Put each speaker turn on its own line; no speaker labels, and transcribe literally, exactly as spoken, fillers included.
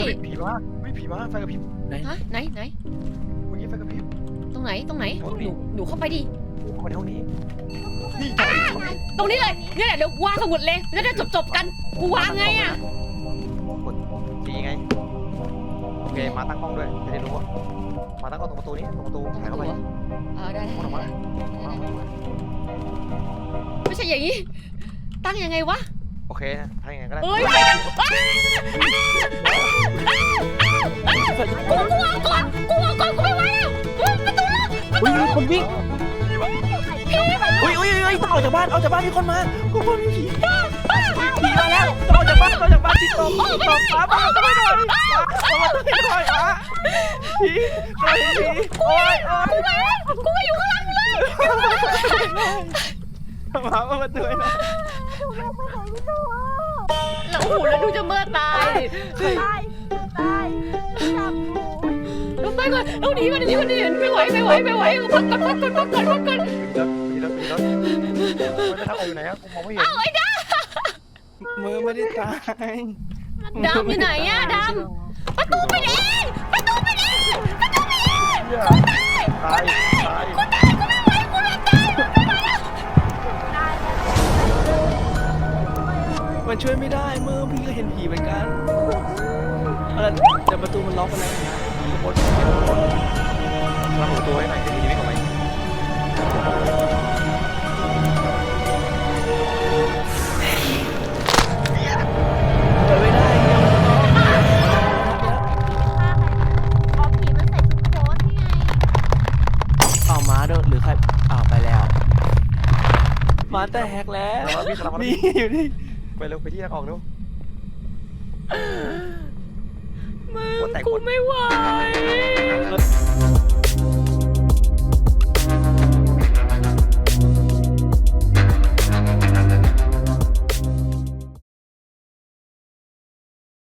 ผีมาไม่ผีมาไฟกระพริบ
ฮะไหนไหน
เมื่อกี้ไฟกระพริบ
ตรงไหนตรงไหนหนูหนูเข้าไปดิ
เข้ามาในห้องนี้นี่
ตรงนี้เลยเนี่ยแหละเดี๋ยววางสมุดเลยแล้วจะจบจบกันกูวางไงอะ
กดจีไงโอเคมาตั้งกล้องด้วยจะได้รู้ว่ามาตั้งกล้องตรงประตูนี้ตรงประตูถ่ายเข้าไป
เออได้ได้
ออกมา
ไม่ใช่อย่างนี้ตั้งยังไงวะ
โอเคนะทำยังไงก็ได้
เอ้ยไปกันกูกูวางก่อนกูวางก่อนกูไม่ไหวแล้วประตูล็อก
อุ้ยมีคนวิ่งอุ้ยอุ้ยอุ้ยต้องออกจากบ้านออกจากบ้านมีคนมากูคนมีผีผีมาแล้วต้องออกจากบ้านออกจากบ้านที่ตกตกฟ้าบ้านต้องไปหน่อยมาต้องไปหน่อยอ่ะผีใครผีโอ้ยโอ้ย
กูก็อยู่ข้างหลังเลย
มาเปิดประตูนะ
แล้วโอ้โหแล้วดูจะเมื่อตาย
ตายตายจับกู
เราไปก่อนเราหนีมันหนีมันหนีไม่ไหวไม่ไหวไม่ไหวพักก่อนพักก่อนพักก่อนพักก่อน
มีรถมีรถมีรถไม่ได้ทำอะไรอยู่ไหนอะผมมองไม่เห็น
เอาไอ้ด
มือไม่ได้ตาย
ำดำอยู่ไหนอะดำประตูไปเองประตูไปเองประตูไปเอง
ตายตาย
กูตายกูไม่ไหวกูจะตายไม่ไหวแล้ว
ตายแล้ว
มันช่วยไม่ได้มือพี่ก็เห็นผีเหมือนกันเออแต่ประตูมันล็อกไปแล้ว
หมดทำประตูให้หน่อยจะดีไม่ออกไป
เปิดไม่ได้
ฆ่าใครอ๋อผีมันใส่ชุดโค้ทนี่ไง
เอาม้าด้วยหรือใครอ้าวไปแล้วม้าแต่แฮกแล้ว
แล้วพี่สลับมา
นี่อยู่นี่
ไปเร็วไปที่ทางออกเร็ว
มึงกูไม่ไหว